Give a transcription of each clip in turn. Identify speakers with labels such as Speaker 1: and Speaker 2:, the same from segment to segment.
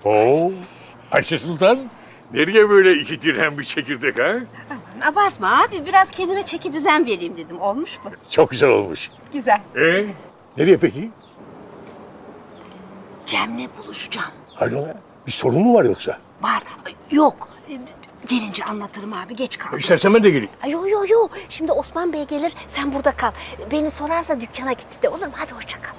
Speaker 1: Oo, Ayşe Sultan, nereye böyle iki dirhem bir çekirdek ha?
Speaker 2: Aman abartma abi, biraz kendime çeki düzen vereyim dedim. Olmuş mu?
Speaker 1: Çok güzel olmuş.
Speaker 2: Güzel.
Speaker 1: Nereye peki?
Speaker 2: Cem'le buluşacağım.
Speaker 1: Hayrola? Bir sorun mu var yoksa?
Speaker 2: Var. Yok. Gelince anlatırım abi, geç kaldım.
Speaker 1: İstersen ben de geleyim.
Speaker 2: Yo. Şimdi Osman Bey gelir, sen burada kal. Beni sorarsa dükkana gitti de, olur mu? Hadi hoşça kal.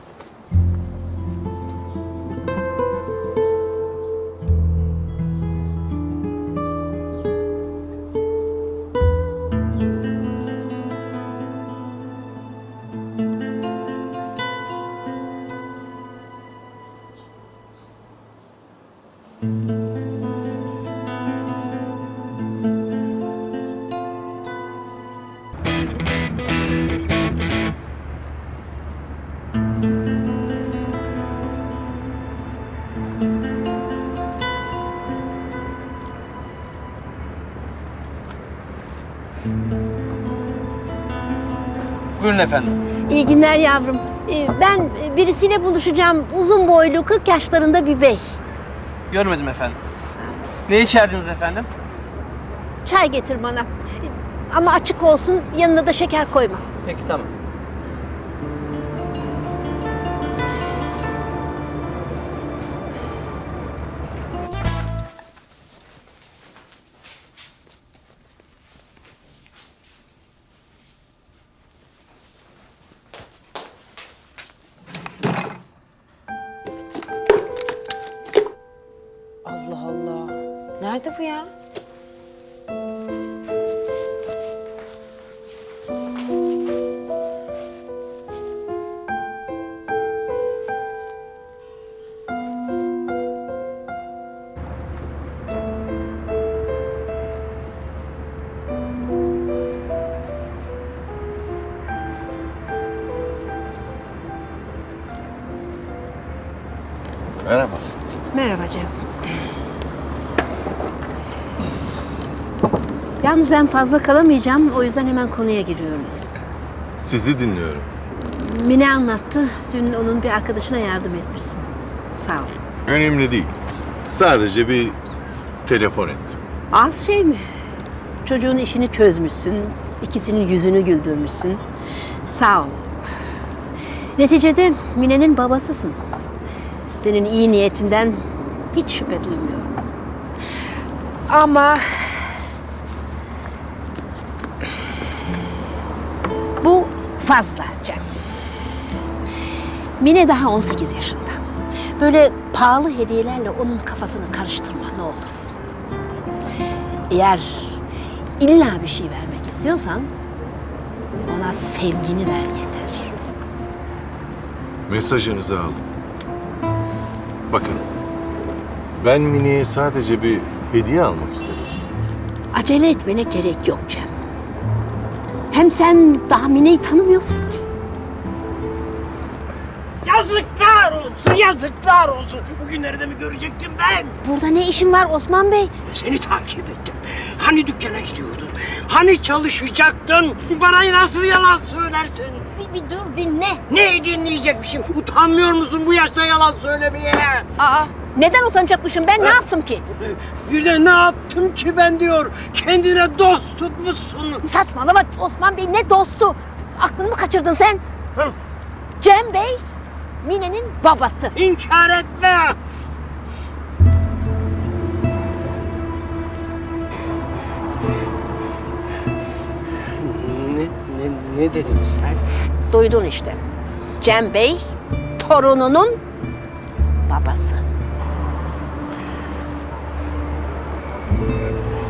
Speaker 3: Buyurun efendim.
Speaker 4: İyi günler yavrum. Ben birisiyle buluşacağım. Uzun boylu, 40 yaşlarında bir bey.
Speaker 3: Görmedim efendim. Ne içerdiniz efendim?
Speaker 4: Çay getir bana. Ama açık olsun, yanına da şeker koyma.
Speaker 3: Peki tamam.
Speaker 5: Allah Allah. Nerede bu ya?
Speaker 6: Merhaba.
Speaker 4: Merhaba Cem. Yalnız ben fazla kalamayacağım. O yüzden hemen konuya giriyorum.
Speaker 6: Sizi dinliyorum.
Speaker 4: Mine anlattı. Dün onun bir arkadaşına yardım etmişsin. Sağ ol.
Speaker 6: Önemli değil. Sadece bir telefon ettim.
Speaker 4: Az şey mi? Çocuğun işini çözmüşsün. İkisinin yüzünü güldürmüşsün. Sağ ol. Neticede Mine'nin babasısın. Senin iyi niyetinden hiç şüphe duymuyorum. Ama bu fazla Cem. Mine daha 18 yaşında. Böyle pahalı hediyelerle onun kafasını karıştırma ne olur. Eğer illa bir şey vermek istiyorsan ona sevgini ver yeter.
Speaker 6: Mesajınızı aldım. Bakın, ben Mine'ye sadece bir hediye almak istedim.
Speaker 4: Acele etmene gerek yok Cem. Hem sen daha Mine'yi tanımıyorsun ki.
Speaker 7: Yazıklar olsun, yazıklar olsun. Bugünleri de mi görecektim ben?
Speaker 4: Burada ne işin var Osman Bey?
Speaker 7: Seni takip ettim. Hani dükkana gidiyordun? Hani çalışacaktın? Bana nasıl yalan söylersin?
Speaker 4: Bir dur dinle.
Speaker 7: Neyi dinleyecekmişim? Utanmıyor musun bu yaşta yalan söylemeye?
Speaker 4: Aa, neden utanacakmışım? Ben ne yaptım ki?
Speaker 7: Bir de ne yaptım ki ben diyor. Kendine dost tutmuşsun.
Speaker 4: Saçmalama Osman Bey, ne dostu? Aklını mı kaçırdın sen?
Speaker 7: Hı.
Speaker 4: Cem Bey, Mine'nin babası.
Speaker 7: İnkar etme. Ne dedin sen?
Speaker 4: Duydun işte. Cem Bey, torununun babası.